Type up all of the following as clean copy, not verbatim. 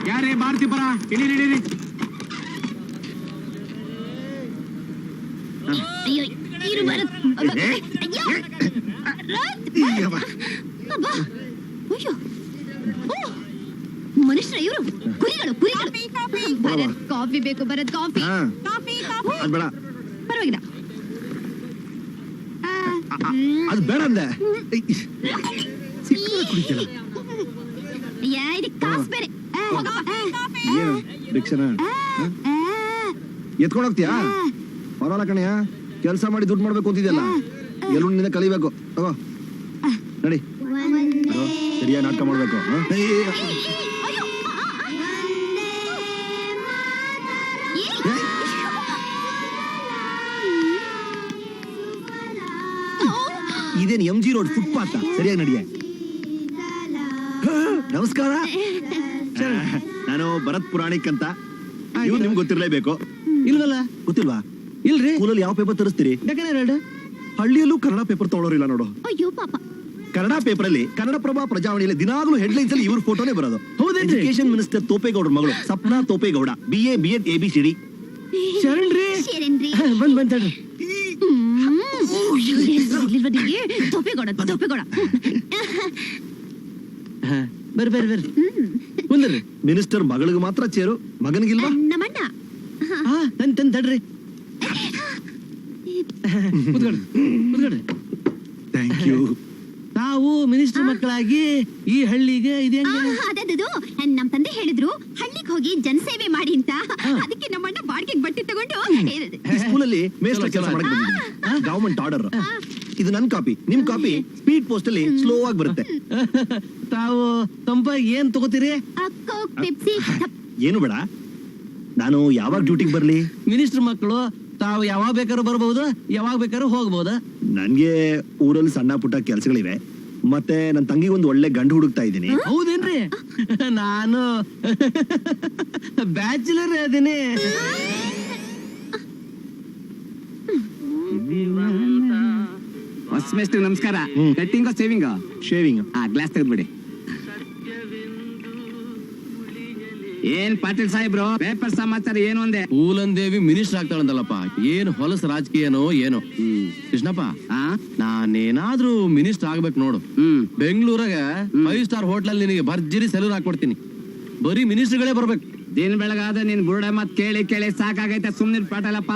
ಯಾರೇ ಭಾರತಿ ಪರ ಇಡೀರಿ ಅಯ್ಯೋ ಇರು ಭರತ್ ಅಯ್ಯೋ ಮನುಷ್ಯ ಇವರು ಕುರಿಗಳು ಭರತ್ ಕಾಫಿ ಬೇಕು ಭರತ್ ಕಾಫಿ ಪರವಾಗಿಲ್ಲ ಅದು ಬೇಡ ಅಂದೆ ಕಾಸು ಬೇರೆ ಎತ್ಕೊಂಡು ಹೋಗ್ತೀಯಾ ಪರವಾಗಿಲ್ಲ ಕಣಯ್ಯ ಕೆಲಸ ಮಾಡಿ ದುಡ್ಡು ಮಾಡ್ಬೇಕು ಅಂತಿದ್ಯಲ್ಲ ಎಲ್ಲುಂಡಿಂದ ಕಲಿಬೇಕು ತಗೋ ನಡಿ ಸರಿಯಾಗಿ ನಾಟಕ ಮಾಡ್ಬೇಕು ಇದೇನು MG ರೋಡ್ ಫುಟ್ಪಾತ್ ಸರಿಯಾಗಿ ನಡಿಯ ನಮಸ್ಕಾರ ನಾನು ಭರತ್ ಪುರಾಣಿಕ್ ಅಂತ ಇವ್ರು ನಿಮ್ಗೆ ಗೊತ್ತಿರ್ಲೇಬೇಕು ಇಲ್ವಲ್ಲ ಗೊತ್ತಿಲ್ವಾ ಇಲ್ರಿ ಸ್ಕೂಲಲ್ಲಿ ಯಾವ ಪೇಪರ್ ತರಿಸ್ತೀರಿ ಹಳ್ಳಿಯಲ್ಲೂ ಕನ್ನಡ ಪೇಪರ್ ತಗೊಳ್ಳೋರಿಲ್ಲ ನೋಡು ಅಯ್ಯೋ ಪಾಪ ಕನ್ನಡ ಪೇಪರ್ ಅಲ್ಲಿ ಕನ್ನಡಪ್ರಭ ಪ್ರಜಾವಾಣಿಯಲ್ಲಿ ದಿನಾಗ್ಲೂ ಹೆಡ್ಲೈನ್ಸ್ ಅಲ್ಲಿ ಇವ್ರ ಫೋಟೋನೇ ಬರೋದು ಎಜುಕೇಶನ್ ಮಿನಿಸ್ಟರ್ ತೋಪೇಗೌಡ್ರ ಮಗಳು Sapna Thopegowda BA B.Ed ABCD ಶರಣ್ರಿ ಬಂದ್ ತೋಪೇಗೌಡ ಬರ್ರಿ ಮಿನಿಸ್ಟರ್ ಮಗಳಿಗೆ ಮಾತ್ರ ಚೇರು ಮಗನಿಗಿಲ್ವಾ ನಮ್ಮಣ್ಣ ತಡ್ರಿ ಥ್ಯಾಂಕ್ ಯು ನಾವು ಮಿನಿಸ್ಟರ್ ಮಕ್ಕಳಾಗಿ ಈ ಹಳ್ಳಿಗೆ ಅದದು ನಮ್ ತಂದೆ ಹೇಳಿದ್ರು ಹಳ್ಳಿಗೆ ಹೋಗಿ ಜನಸೇವೆ ಮಾಡಿ ಅಂತ ಅದಕ್ಕೆ ನಮ್ಮಣ್ಣ ಬಾಡಿಗೆ ಬಟ್ಟೆ ತಗೊಂಡು ಸ್ಕೂಲಲ್ಲಿ ಮೇಸ್ಟರ್ ಕೆಲಸ ಮಾಡಕ್ ಬಂದಿದ್ದೀನಿ ಗವರ್ಮೆಂಟ್ ಆರ್ಡರ್ ಇದು ನನ್ ಕಾಪಿ ನಿಮ್ ಕಾಪಿ ಸ್ಪೀಡ್ ಪೋಸ್ಟ್ ಅಲ್ಲಿ ಸ್ಲೋ ಆಗಿ ಬರುತ್ತೆ ತಾವು ತಂಪಾಗಿ ಏನ್ ತಗೋತೀರಿ ಪೆಪ್ಸಿ ಏನು ಬೇಡ ನಾನು ಯಾವಾಗ ಡ್ಯೂಟಿಗೆ ಬರ್ಲಿ ಮಿನಿಸ್ಟರ್ ಮಕ್ಕಳು ತಾವು ಯಾವಾಗ ಬೇಕಾದ್ರೂ ಬರ್ಬಹುದು ಯಾವಾಗ ಬೇಕಾದ್ರೂ ಹೋಗ್ಬಹುದು ನನ್ಗೆ ಊರಲ್ಲಿ ಸಣ್ಣ ಪುಟ್ಟ ಕೆಲ್ಸಗಳಿವೆ ಮತ್ತೆ ನನ್ನ ತಂಗಿಗೆ ಒಂದು ಒಳ್ಳೆ ಗಂಡು ಹುಡುಕ್ತಾ ಇದ್ದೀನಿ ಹೌದೇನ್ರಿ ನಾನು ಬ್ಯಾಚುಲರ್ ಅದೀನಿ ಹೊಸ ನಮಸ್ಕಾರ ಕಟ್ಟಿಂಗ್ ಸೇವಿಂಗ್ ಶೇವಿಂಗ್ ಗ್ಲಾಸ್ ತೆಗೆದ್ಬಿಡಿ ಏನ್ ಪಾಟೀಲ್ ಸಾಹೇಬ್ರು ಪೇಪರ್ ಸಮಾಚಾರ ಏನು ಅಂದೆ ಪೂಲಂದೇವಿ ಮಿನಿಸ್ಟರ್ ಆಗ್ತಾಳಂತಲ್ಲಪ್ಪ ಏನ್ ಹೊಲಸ ರಾಜಕೀಯನೋ ಏನೋ ಕೃಷ್ಣಪ್ಪ ನಾನೇನಾದ್ರೂ ಮಿನಿಸ್ಟರ್ ಆಗ್ಬೇಕು ನೋಡು ಬೆಂಗಳೂರಾಗ 5 ಸ್ಟಾರ್ ಹೋಟ್ಲಲ್ಲಿ ನಿನಗೆ ಭರ್ಜರಿ ಸೆಲೂನ್ ಹಾಕೊಡ್ತೀನಿ ಬರೀ ಮಿನಿಸ್ಟರ್ಗಳೇ ಬರ್ಬೇಕು ದಿನ ಬೆಳಗಾದ ನೀನ್ ಬುರುಡ ಮತ್ ಕೇಳಿ ಸಾಕಾಗೈತೆ ಸುಮ್ನಿರ್ ಪಾಟಲಪ್ಪ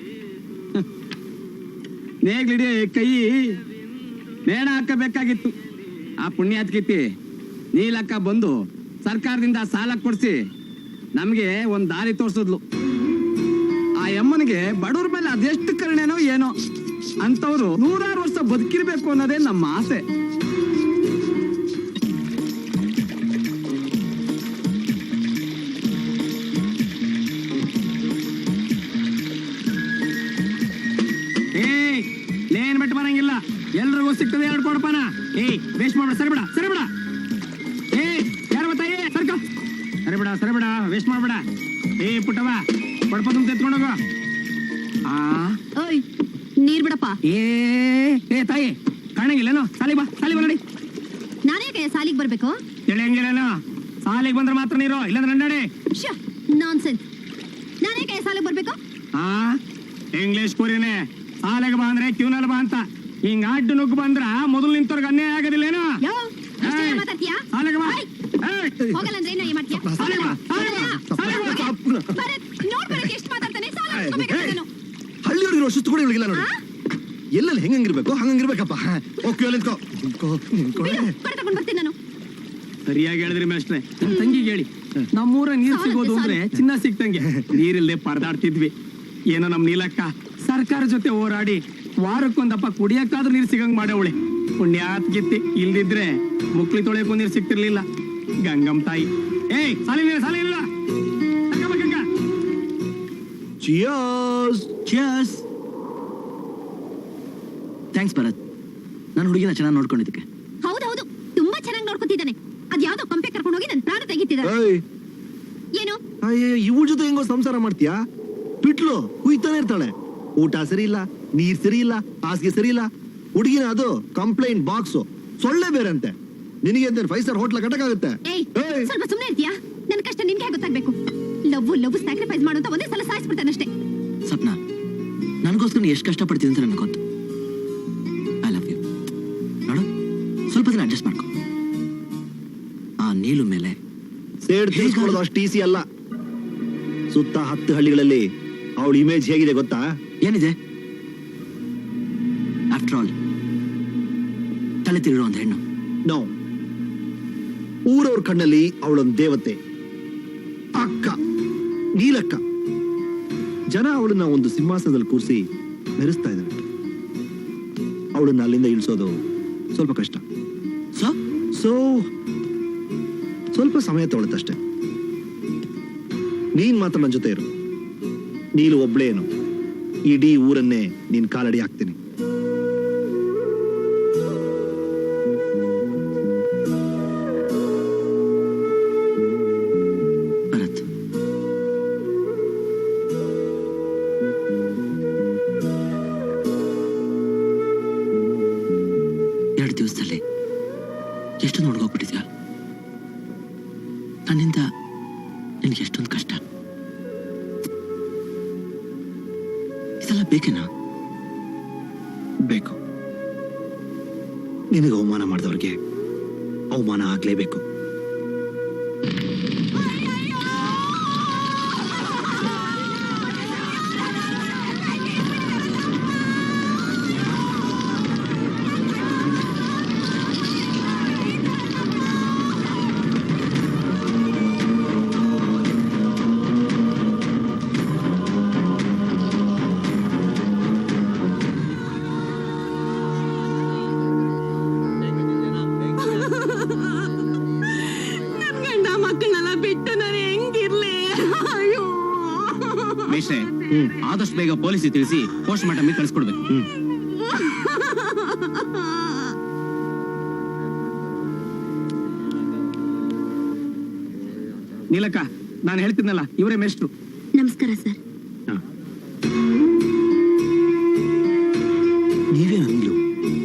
ನೇಗ್ಲಿಡಿ ಕೈ ನೇಣ ಹಾಕಬೇಕಾಗಿತ್ತು ಆ ಪುಣ್ಯಾತ್ಕಿತಿ ನೀಲಕ್ಕ ಬಂದು ಸರ್ಕಾರದಿಂದ ಸಾಲ ಕೊಡ್ಸಿ ನಮ್ಗೆ ಒಂದ್ ದಾರಿ ತೋರ್ಸಿದ್ಲು ಆ ಯಮ್ಮನಿಗೆ ಬಡವ್ರ ಮೇಲೆ ಅದೆಷ್ಟು ಕರುಣೆನೋ ಏನೋ ಅಂತವ್ರು 100 ವರ್ಷ ಬದುಕಿರ್ಬೇಕು ಅನ್ನೋದೇ ನಮ್ಮ ಆಸೆ ಲೇನ್ ಬಿಟ್ಟು ಬರಂಗಿಲ್ಲ ಎಲ್ರಿಗೂ ಸಿಗ್ತದೆ 2 ಕೊಡಪಾನ ವೇಸ್ಟ್ ಮಾಡ್ಬೇಡ ಸರಿಬಿಡ ಸರಿಬಿಡ ವೇಸ್ಟ್ ಮಾಡ್ಬೇಡ ಪುಟ್ಟವ ಕೊಡಪ ತುಂಬ ತೆತ್ಕೊಂಡೋಗ ನೀರ್ ಬಿಡಪ್ಪ ತಾಯಿ ಕಾಣಂಗಿಲ್ಲೇನೋ ಸಾಲಿ ಬಾ ನೋಡಿ ನಾನೇ ಸಾಲಿಗೆ ಬರ್ಬೇಕು ತಿಳಿಯಂಗಿಲ್ಲೇನೋ ಸಾಲಿಗೆ ಬಂದ್ರೆ ಮಾತ್ರ ನೀರು ಇಲ್ಲಾಂದ್ರೆ ನಡಿ ನಾನ್ಸೆನ್ಸ್ ನಾನೇ ಸಾಲಿಗೆ ಬರ್ಬೇಕು ಇಂಗ್ಲಿಷ್ ಕೂರಿನೇ ಸಾಲಿಗೆ ಬಾ ಅಂದ್ರೆ ಕ್ಯೂನಲ್ಲಿ ಬಾ ಅಂತ ಹಿಂಗ ಅಡ್ಡು ನುಗ್ಗು ಬಂದ್ರ ಮೊದಲು ನಿಂತವ್ರಿಗೆ ಅನ್ಯಾಯ ಆಗೋದಿಲ್ಲೇನೋ ಸಾಲಿಗೆ ಬಾ ಹಳ್ಳಿಯವ್ರಿಗೆ ಶಿಸ್ತು ಕೂಡ ಇವಳಿಗಿಲ್ಲ ನೋಡಿ ಎಲ್ಲೆಲ್ಲಿ ಹೆಂಗಿರ್ಬೇಕು ಹಂಗಿರ್ಬೇಕಪ್ಪ ಸರಿಯಾಗಿ ಹೇಳಿದ್ರಿ ಮೇಷ್ಟ್ರೆ ನಮ್ ತಂಗಿಗೆ ಹೇಳಿ ನಮ್ಮೂರ ನೀರ್ ಸಿಗೋದು ಅಂದ್ರೆ ಚಿನ್ನ ಸಿಕ್ತಂಗೆ ನೀರಿಲ್ದೆ ಪರದಾಡ್ತಿದ್ವಿ ಏನೋ ನಮ್ ನೀಲಕ್ಕ ಸರ್ಕಾರ ಜೊತೆ ಹೋರಾಡಿ ವಾರಕ್ಕೊಂದಪ್ಪ ಕುಡಿಯಕ್ಕಾದ್ರೂ ನೀರ್ ಸಿಗಂಗ್ ಮಾಡವಳೆ ಪುಣ್ಯಾತ್ ಗಿತ್ತಿ ಇಲ್ದಿದ್ರೆ ಮುಕ್ಳಿ ತೊಳೆಯಕ್ಕೂ ನೀರ್ ಸಿಕ್ತಿರ್ಲಿಲ್ಲ ಗಂಗಮ್ ತಾಯಿ ಸಾಲಿ ಥ್ಯಾಂಕ್ಸ್ ಭರತ್ ನಾನು ಹುಡುಗಿನ ಚೆನ್ನಾಗಿ ನೋಡ್ಕೊಂಡಿದ್ದಕ್ಕೆ ಹೌದೌದು ತುಂಬಾ ಚೆನ್ನಾಗಿ ನೋಡ್ಕೊತಿದ್ದಾನೆ ಅದ್ ಯಾವ್ದೋ ಕಂಪೆ ಕರ್ಕೊಂಡು ಹೋಗಿ ನನ್ ಪ್ರಾಣ ತೆಗಿತಿದ್ದಾರೆ ಏನು ಇವ್ರ ಜೊತೆ ಹೆಂಗೋ ಸಂಸಾರ ಮಾಡ್ತೀಯಾ ಬಿಟ್ಲು ಹುಯ್ತಾನೆ ಇರ್ತಾಳೆ ಊಟ ಸರಿ ಇಲ್ಲ ನೀರ್ ಸರಿ ಇಲ್ಲ ಹಾಸಿಗೆ ಸರಿ ಇಲ್ಲ ಹುಡುಗಿನ ಅದು ಕಂಪ್ಲೇಂಟ್ ಬಾಕ್ಸ್ ಸೊಳ್ಳೆ ಬೇರೆ ಅಂತೆ ನಿನಗೆ 5 ಸ್ಟಾರ್ ಹೋಟ್ಲ ಕಟ್ಟಕ್ಕಾಗುತ್ತೆ ಸ್ವಲ್ಪ ಸುಮ್ಮನೆ ಇರ್ತೀಯಾ ನನ್ನ ಕಷ್ಟ ನಿನ್ಗೆ ಆಗ್ಬೇಕು. ಲವ್ ಸ್ಯಾಕ್ರಿಫೈಸ್ ಮಾಡುವಂತ ಒಂದೇ ಸಲ ಸಾಯಿಸ್ಬಿಡ್ತಾನಷ್ಟೇ. ಸಪ್ನ, ನನಗೋಸ್ಕರ ಎಷ್ಟು ಕಷ್ಟಪಡ್ತೀನಿ ಅಂತ ನನಗೆ ಗೊತ್ತು. I love you. ನೋಡು, ಸ್ವಲ್ಪ ದಿನ ಅಡ್ಜಸ್ಟ್ ಮಾಡ್ಕೊ. ಆ ನೀಲು ಮೇಲೆ ಸೇಡ್ ತೀರಿಸ್ಕೊಳ್ಳೋದು ಅಷ್ಟು ಈಸಿ ಅಲ್ಲ. ಸುತ್ತ 10 ಹಳ್ಳಿಗಳಲ್ಲಿ ಅವಳ ಇಮೇಜ್ ಹೇಗಿದೆ ಗೊತ್ತಾ? ಏನಿದೆ? ಆಫ್ಟರ್ ಆಲ್ ತಲೆ ತಿರುಗಿರೋ ಒಂದು ಹೆಣ್ಣು. ನೋ, ಊರವ್ರ ಕಣ್ಣಲ್ಲಿ ಅವಳೊಂದು ದೇವತೆ, ಅಕ್ಕ, ನೀಲಕ್ಕ. ಜನ ಅವಳನ್ನ ಒಂದು ಸಿಂಹಾಸನದಲ್ಲಿ ಕೂರಿಸಿ ಮೆರೆಸ್ತಾ ಇದ್ದಾರೆ. ಅವಳನ್ನ ಅಲ್ಲಿಂದ ಇಳಿಸೋದು ಸ್ವಲ್ಪ ಕಷ್ಟ. ಸೊ ಸ್ವಲ್ಪ ಸಮಯ ತಗೊಳುತ್ತಷ್ಟೆ. ನೀನ್ ಮಾತ್ರ ನನ್ನ ಜೊತೆ ಇರು. ನೀನು ಒಬ್ಳೇನು, ಇಡೀ ಊರನ್ನೇ ನೀನ್ ಕಾಲಡಿ ಹಾಕ್ತೀನಿ. ಭರತ್, ಎರಡು ದಿವಸದಲ್ಲಿ ಎಷ್ಟು ನೋಡ್ಕೋಗ್ಬಿಟ್ಟಿದ್ಯಾ? ನನ್ನಿಂದ ನಿನ್ಗೆ ಎಷ್ಟೊಂದು ಕಷ್ಟ. ಇದೆಲ್ಲ ಬೇಕೇನಾ? ಬೇಕು. ನಿನಗೆ ಅವಮಾನ ಮಾಡಿದವ್ರಿಗೆ ಅವಮಾನ ಆಗ್ಲೇಬೇಕು. ಗಂಡ ಮಕ್ಕಳನ್ನೆಲ್ಲ ಬಿಟ್ಟು ನಾನು ಹೆಂಗಿರ್ಲಿ? ಅಯ್ಯೋ, ಮೇಷ್ರೆ, ಆದಷ್ಟು ಬೇಗ ಪೊಲೀಸಿಗೆ ತಿಳಿಸಿ ಪೋಸ್ಟ್ ಮಾರ್ಟಮ್ ಕಳಿಸ್ಕೊಡ್ಬೇಕು. ನೀಲಕ್ಕ, ನಾನು ಹೇಳ್ತಿದ್ನಲ್ಲ, ಇವರೇ ಮೇಷ್ಟ್ರು. ನಮಸ್ಕಾರ ಸರ್. ನೀವೇ ನೀಲು?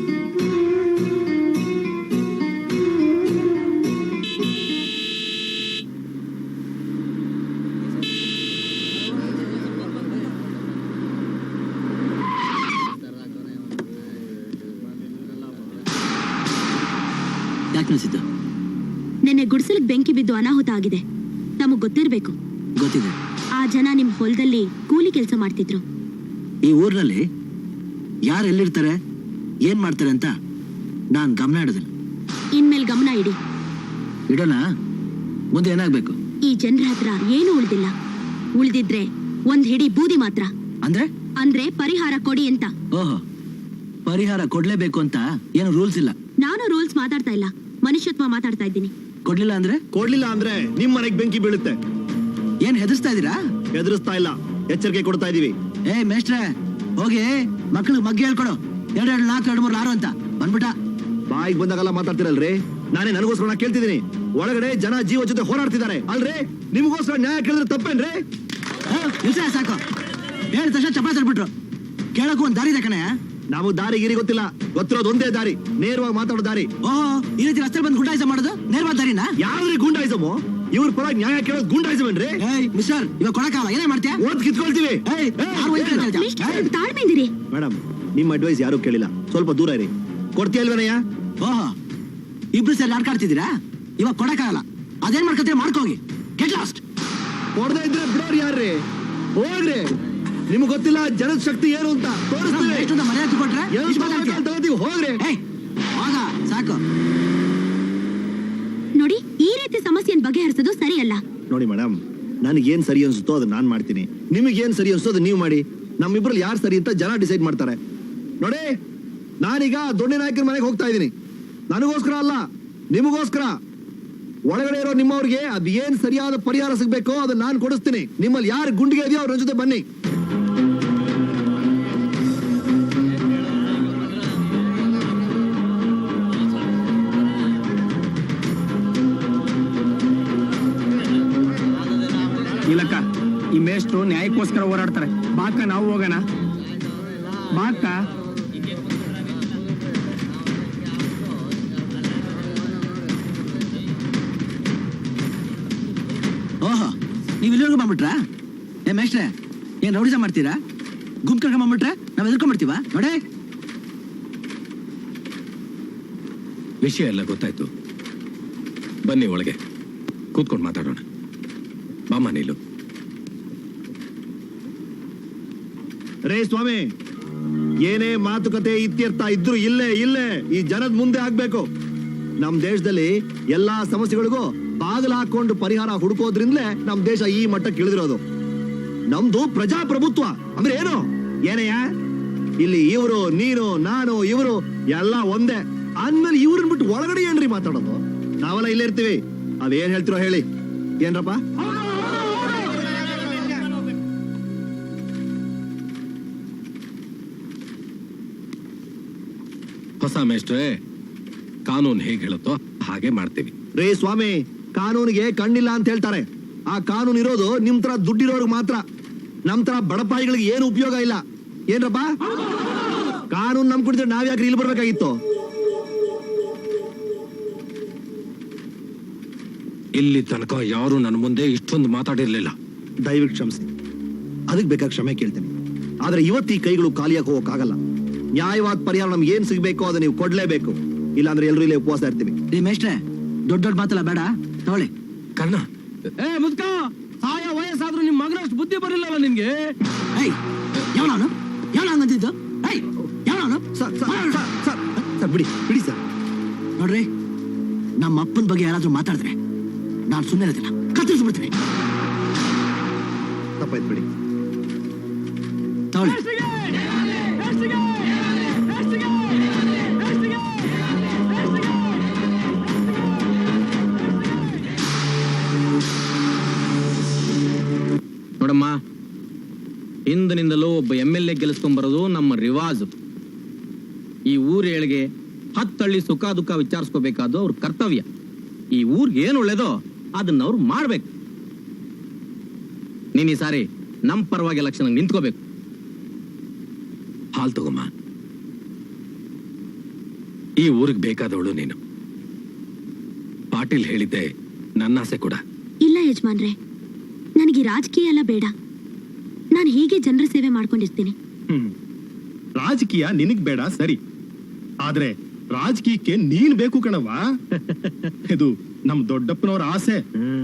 ಯಾಕೆ ನಿಲ್ಸಿದ್ದು? ನಿನ್ನೆ ಗುಡಿಸಲಿಗೆ ಬೆಂಕಿ ಬಿದ್ದು ಅನಾಹುತ ಆಗಿದೆ. ನಮಗ್ ಗೊತ್ತಿರ್ಬೇಕು. ಗೊತ್ತಿದೆ. ಆ ಜನ ನಿಮ್ ಹೊಲದಲ್ಲಿ ಕೂಲಿ ಕೆಲಸ ಮಾಡ್ತಿದ್ರು. ಈ ಊರಿನಲ್ಲಿ ಯಾರು ಎಲ್ಲಿರ್ತಾರೆ, ಏನ್ ಮಾಡ್ತಾರೆ ಅಂತ ನಾನ್ ಗಮನ ಇಡೋದಿಲ್ಲ. ಇನ್ಮೇಲ್ ಗಮನ ಇಡಿ. ಇಡೋಣ. ಮುಂದೆ ಏನಾಗ್ಬೇಕು? ಈ ಜನರ ಹತ್ರ ಏನು ಉಳ್ದಿಲ್ಲ. ಉಳ್ದಿದ್ರೆ ಒಂದ್ ಹಿಡಿ ಬೂದಿ ಮಾತ್ರ. ಅಂದ್ರೆ ಪರಿಹಾರ ಕೊಡಿ ಅಂತ. ಓಹೋ, ಪರಿಹಾರ ಕೊಡ್ಲೇಬೇಕು ಅಂತ ಏನು ರೂಲ್ಸ್ ಇಲ್ಲ? ನಾನು ರೂಲ್ಸ್ ಮಾತಾಡ್ತಾ ಇಲ್ಲ, ಮನುಷ್ಯತ್ವ ಮಾತಾಡ್ತಾ ಇದ್ದೀನಿ. ಕೊಡ್ಲಿಲ್ಲ ಅಂದ್ರೆ ನಿಮ್ ಮನೆಗ್ ಬೆಂಕಿ ಬೀಳುತ್ತೆ. ಏನ್ ಹೆದರ್ಸ್ತಾ ಇದೀರಾ? ಹೆದರಿಸ್ತಾ ಇಲ್ಲ, ಎಚ್ಚರಿಕೆ ಕೊಡ್ತಾ ಇದೀವಿ. ಏ ಮೇಷ್ಟ್ರೆ, ಹೋಗಿ ಮಕ್ಳಿಗೆ ಮಗ್ಗಿ ಹೇಳ್ಕೊಡು. 2 2 4 2 3 6 ಅಂತ ಬಂದ್ಬಿಟ್ಟ. ಬಾಯಿಗೆ ಬಂದಾಗೆಲ್ಲ ಮಾತಾಡ್ತಿರಲ್ರಿ. ನಾನೇ ನನಗೋಸ್ಕರ ಕೇಳ್ತಿದ್ದೀನಿ. ಒಳಗಡೆ ಜನ ಜೀವ ಜೊತೆ ಹೋರಾಡ್ತಿದ್ದಾರೆ ಅಲ್ರಿ. ನಿಮಗೋಸ್ಕರ ನ್ಯಾಯ ಕೇಳಿದ್ರೆ ತಪ್ಪೇನ್ರಿ? ನಿಲ್ಸ ಸಾಕು. ಹೇಳಿ ತಕ್ಷಣ ಚಪಾಯಿಸ್ಬಿಟ್ರು. ಕೇಳಕ್ಕೂ ಒಂದ್ ದಾರಿ ಇದೆ ಕಣೆ. ನಾವು ದಾರಿ ಗಿರಿ ಗೊತ್ತಿಲ್ಲ, ಗೊತ್ತಿರೋದು ಒಂದೇ ದಾರಿ, ನೇರವಾಗಿ ಮಾತಾಡೋ ದಾರಿ. ಓಹೋ, ಈ ರೀತಿ ರಸ್ತೆ ಬಂದು ಗುಂಡಾಯಿಸ ಮಾಡೋದು ನೇರವಾದ ದಾರಿನಾ? ಯಾವ್ದ್ರಿ ಗುಂಡಾಯಿಸಮು? ಇವ್ರ ಪರವಾಗಿ ನ್ಯಾಯ ಕೇಳೋದು ಗುಂಡಾಯಿಸವೇನ್ರಿ? ಏಯ್ ಮಿಸ್ಟರ್, ಇವಾಗ ಕೊಡಕ್ಕಾಗಲ್ಲ, ಏನೇ ಮಾಡ್ತೀಯಾ? ಓದ್ ಕಿತ್ಕೊಳ್ತೀವಿ. ತಾಳ್ಮೆಂದಿರಿ. ಮೇಡಮ್, ನಿಮ್ಮ ಅಡ್ವೈಸ್ ಯಾರು ಕೇಳಿಲ್ಲ, ಸ್ವಲ್ಪ ದೂರ ಇರಿ. ಕೊಡ್ತೀಯಲ್ವೇನಯ್ಯ? ಓಹೋ, ಇಬ್ರು ಸೇರಿ ಆಡ್ಕಾಡ್ತಿದ್ದೀರಾ? ಇವಾಗ ಕೊಡಕ್ಕಾಗಲ್ಲ, ಅದೇನ್ ಮಾಡ್ಕೊತೀರಿ ಮಾಡ್ಕೋಗಿ. Get lost. ಕೊಡದೇ ಇದ್ರೆ ಬಿಡೋರು ಯಾರ್ರಿ? ಹೋಗ್ರಿ. ನಿಮ್ಗೆ ಗೊತ್ತಿಲ್ಲ ಜನದ ಶಕ್ತಿ ಏನು ಅಂತ ತೋರಿಸ್ತೀವಿ. ಎಷ್ಟೊಂದು ಮರ್ಯಾದೆ ಕೊಟ್ರೆ ತಗೋತೀವಿ, ಹೋಗ್ರಿ. ಹೋಗ ಸಾಕು. ನೋಡಿ, ಈ ರೀತಿ ಸಮಸ್ಯೆಯನ್ನು ಬಗೆಹರಿಸೋದು ಸರಿಯಲ್ಲ. ನೋಡಿ ಮೇಡಮ್, ನನಗೆ ಏನ್ ಸರಿ ಅನ್ಸುತ್ತೋ ಅದನ್ನ ನಾನ್ ಮಾಡ್ತೀನಿ. ನಿಮಗೆ ಏನ್ ಸರಿ ಅನ್ಸುತ್ತೋ ಅದನ್ನ ನೀವು ಮಾಡಿ. ನಮ್ಮಿಬ್ರಲ್ಲಿ ಯಾರು ಸರಿ ಅಂತ ಜನ ಡಿಸೈಡ್ ಮಾಡ್ತಾರೆ. ನೋಡಿ, ನಾನೀಗ ದೊಡ್ಡ ನಾಯಕರ ಮನೆಗೆ ಹೋಗ್ತಾ ಇದ್ದೀನಿ. ನನಗೋಸ್ಕರ ಅಲ್ಲ, ನಿಮಗೋಸ್ಕರ. ಒಳಗಡೆ ಇರೋ ನಿಮ್ಮವ್ರಿಗೆ ಅದ್ ಏನ್ ಸರಿಯಾದ ಪರಿಹಾರ ಸಿಗ್ಬೇಕೋ ಅದನ್ನ ನಾನು ಕೊಡಿಸ್ತೀನಿ. ನಿಮ್ಮಲ್ಲಿ ಯಾರು ಗುಂಡಿಗೆ ಇದೆಯೋ ಅವ್ರ ಜೊತೆ ಬನ್ನಿ. ಇಲ್ಲಕ್ಕ, ಈ ಮೇಷ್ಟ್ರು ನ್ಯಾಯಕ್ಕೋಸ್ಕರ ಹೋರಾಡ್ತಾರೆ. ಬಾಕ ನಾವು ಹೋಗೋಣ. ಬಾಕ. ಓಹೋ, ನೀವು ಇಲ್ಲಿವರೆಗೂ ಬಂದ್ಬಿಟ್ರಾ? ಏ ಮೇಷ್ಟ್ರೆ, ಏನ್ ರೌಡಿಸ ಮಾಡ್ತೀರಾ? ಗುಂಪು ಕರ್ಕೊಂಡ್ ಬಂದ್ಬಿಟ್ರೆ ನಾವ್ ಎದ್ಕೊಂಡ್ಬಿಡ್ತೀವ ನೋಡೇ. ವಿಷಯ ಎಲ್ಲ ಗೊತ್ತಾಯ್ತು. ಬನ್ನಿ ಒಳಗೆ ಕೂತ್ಕೊಂಡು ಮಾತಾಡೋಣ. ಬಾಮ ನೀಲು. ರೇ ಸ್ವಾಮಿ, ಏನೇ ಮಾತುಕತೆ ಇತ್ಯರ್ಥ ಇದ್ರು ಇಲ್ಲೇ ಈ ಜನದ ಮುಂದೆ ಆಗ್ಬೇಕು. ನಮ್ ದೇಶದಲ್ಲಿ ಎಲ್ಲಾ ಸಮಸ್ಯೆಗಳಿಗೂ ಬಾಗಿಲು ಹಾಕೊಂಡು ಪರಿಹಾರ ಹುಡುಕೋದ್ರಿಂದಲೇ ನಮ್ ದೇಶ ಈ ಮಟ್ಟಕ್ಕೆ ಇಳಿದಿರೋದು. ನಮ್ದು ಪ್ರಜಾಪ್ರಭುತ್ವ ಅಂದ್ರೆ ಏನು? ಏನಯ್ಯ, ಇಲ್ಲಿ ಇವರು, ನೀನು, ನಾನು, ಇವರು ಎಲ್ಲ ಒಂದೇ ಅಂದ್ಮೇಲೆ ಇವ್ರನ್ನ ಬಿಟ್ಟು ಒಳಗಡೆ ಏನ್ರಿ ಮಾತಾಡೋದು? ನಾವೆಲ್ಲ ಇಲ್ಲೇ ಇರ್ತೀವಿ. ಅದೇನ್ ಹೇಳ್ತಿರೋ ಹೇಳಿ. ಏನ್ರಪ್ಪ? ಹೊಸ ಮೇಷ್ಟ್ರೆ, ಕಾನೂನು ಹೇಗೆ ಹೇಳುತ್ತೋ ಹಾಗೆ ಮಾಡ್ತೀವಿ. ರೇ ಸ್ವಾಮಿ, ಕಾನೂನಿಗೆ ಕಣ್ಣಿಲ್ಲ ಅಂತ ಹೇಳ್ತಾರೆ. ಆ ಕಾನೂನು ಇರೋದು ನಿಮ್ ತರ ದುಡ್ಡಿರೋರ್ಗೆ ಮಾತ್ರ. ನಮ್ ತರ ಬಡಪಾಯಿಗಳಿಗೆ ಏನು ಉಪಯೋಗ ಇಲ್ಲ. ಏನ್ರಪ್ಪ? ಕಾನೂನು ನಮ್ ಕುಡಿದ್ರೆ ನಾವ್ ಯಾಕ್ರಿ ಇಲ್ಲಿ ಬರ್ಬೇಕಾಗಿತ್ತು? ಇಲ್ಲಿ ತನಕ ಯಾರು ನನ್ನ ಮುಂದೆ ಇಷ್ಟೊಂದು ಮಾತಾಡಿರ್ಲಿಲ್ಲ. ದಯವಿಟ್ಟು ಕ್ಷಮಿಸಿ. ಅದಕ್ಕೆ ಬೇಕಾದ ಕ್ಷಮೆ ಕೇಳ್ತೇನೆ. ಆದ್ರೆ ಇವತ್ತು ಈ ಕೈಗಳು ಖಾಲಿಯಾಗಿ ಹೋಗಕ್ಕಾಗಲ್ಲ. ನ್ಯಾಯವಾದ ಪರಿಹಾರ ನಮ್ಗೆ ಏನ್ ಸಿಗ್ಬೇಕು ಅದನ್ನ ನೀವು ಕೊಡ್ಲೇಬೇಕು. ಇಲ್ಲಾಂದ್ರೆ ಎಲ್ರು ಇಲ್ಲೇ ಉಪವಾಸ ಇರ್ತೀವಿ. ರೀ ಮೇಷ್ಟ್ರೆ, ದೊಡ್ಡ ದೊಡ್ಡ ಮಾತಲ್ಲ ಬೇಡ, ತಗೊಳ್ಳಿ. ಕರ್ಣ, ಏ ಮುದ್ಕ, ಸಾಯ ವಯಸ್ಸಾದ್ರೂ ನಿಮ್ ಮಗನಷ್ಟು ಬುದ್ಧಿ ಬರಲಿಲ್ಲಲ್ಲ ನಿನ್ಗೆ? ಏಯ್, ಯಾವನು ಹಂಗಂತಿದ್ದು? ಏಯ್, ಯಾವನು? ಸರ್ ಬಿಡಿ ಸರ್. ನೋಡ್ರಿ, ನಮ್ಮ ಅಪ್ಪನ ಬಗ್ಗೆ ಯಾರಾದ್ರೂ ಮಾತಾಡಿದ್ರೆ ನಾನು ಸುಮ್ಮನೆ ಇರೋದಿಲ್ಲ, ಕತ್ತರಿಸ್ಬಿಡ್ತೀನಿ. ತಪ್ಪಾಯ್ತು ಬಿಡಿ. ತಗೊಳ್ಳಿ. ನೋಡಮ್ಮ, ಹಿಂದಿನಿಂದಲೂ ಒಬ್ಬ MLA ಗೆಲ್ಲಿಸ್ಕೊಂಡ್ಬರೋದು ನಮ್ಮ ರಿವಾಜು. ಈ ಊರ್ ಏಳಿಗೆ 10 ಹಳ್ಳಿ ಸುಖ ದುಃಖ ವಿಚಾರಿಸ್ಕೋಬೇಕಾದ್ದು ಅವ್ರ ಕರ್ತವ್ಯ. ಈ ಊರ್ಗೆ ಏನು ಒಳ್ಳೇದೋ ಅದನ್ನ ಅವ್ರು ಮಾಡ್ಬೇಕು. ನೀನ್ ಈ ಸಾರಿ ನಮ್ ಪರವಾಗಿ ಎಲೆಕ್ಷನ್ ನಿಂತ್ಕೋಬೇಕು. ಹಾಲ್ ತಗೊಮ್ಮ. ಈ ಊರಿಗೆ ಬೇಕಾದವಳು ನೀನು. ಪಾಟೀಲ್ ಹೇಳಿದ್ದೆ ನನ್ನ ಆಸೆ ಕೂಡ. ಇಲ್ಲ ಯಜಮಾನ್ರೆ, ನನಗೆ ರಾಜಕೀಯ ಎಲ್ಲ ಬೇಡ. ನಾನು ಹೀಗೆ ಜನರ ಸೇವೆ ಮಾಡ್ಕೊಂಡಿರ್ತೀನಿ. ರಾಜಕೀಯ ನಿನಗ್ ಬೇಡ ಸರಿ, ಆದ್ರೆ ರಾಜಕೀಯಕ್ಕೆ ನೀನ್ ಬೇಕು ಕಣವ. ಇದು ನಮ್ ದೊಡ್ಡಪ್ಪನವ್ರ ಆಸೆ.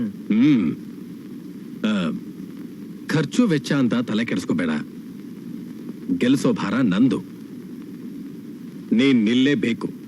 ಖರ್ಚು ವೆಚ್ಚ ಅಂತ ತಲೆ ಕೆಡಿಸ್ಕೋಬೇಡ. ಗೆಲ್ಸೋ ಭಾರ ನಂದು. ನೀನ್ ನಿಲ್ಲೇಬೇಕು.